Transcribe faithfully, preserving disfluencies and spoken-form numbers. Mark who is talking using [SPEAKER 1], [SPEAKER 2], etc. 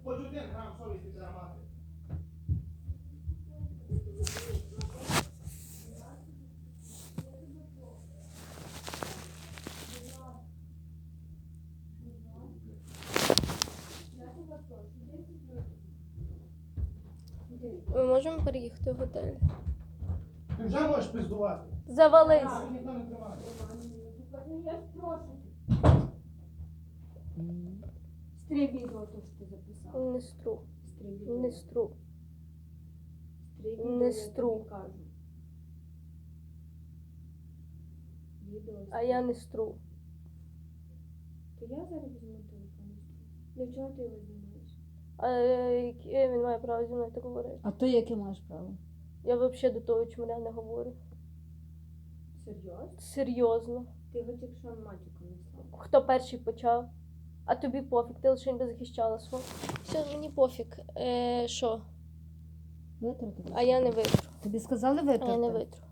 [SPEAKER 1] Хоч один грам совісті треба мати.
[SPEAKER 2] Ми можемо переїхати в готель.
[SPEAKER 1] Ти вже можеш пиздувати.
[SPEAKER 2] Завались.
[SPEAKER 1] Так, ніхто не тримає.
[SPEAKER 3] Стри відео, то, що ти записав.
[SPEAKER 2] Не стру.
[SPEAKER 3] Стри відео.
[SPEAKER 2] Не стру.
[SPEAKER 3] Стри
[SPEAKER 2] не
[SPEAKER 3] відео, я
[SPEAKER 2] стру.
[SPEAKER 3] тобі кажу. Відео.
[SPEAKER 2] А я не стру.
[SPEAKER 3] То я зараз візьму телефон. і стру. Для чого ти його знімаєш?
[SPEAKER 2] А яке він має право зі мною так говорити?
[SPEAKER 4] А ти яке маєш право?
[SPEAKER 2] Я взагалі до того чмаря не говорю.
[SPEAKER 3] Серйозно?
[SPEAKER 2] Серйозно.
[SPEAKER 3] Ти його тільки що матюком не слав.
[SPEAKER 2] Хто перший почав? А тобі пофіг, ти лише не захищала свого. Все, мені пофіг. Е, що?
[SPEAKER 4] Витрати?
[SPEAKER 2] А я не витру.
[SPEAKER 4] Тобі сказали
[SPEAKER 2] А я не
[SPEAKER 4] витрати?
[SPEAKER 2] витру.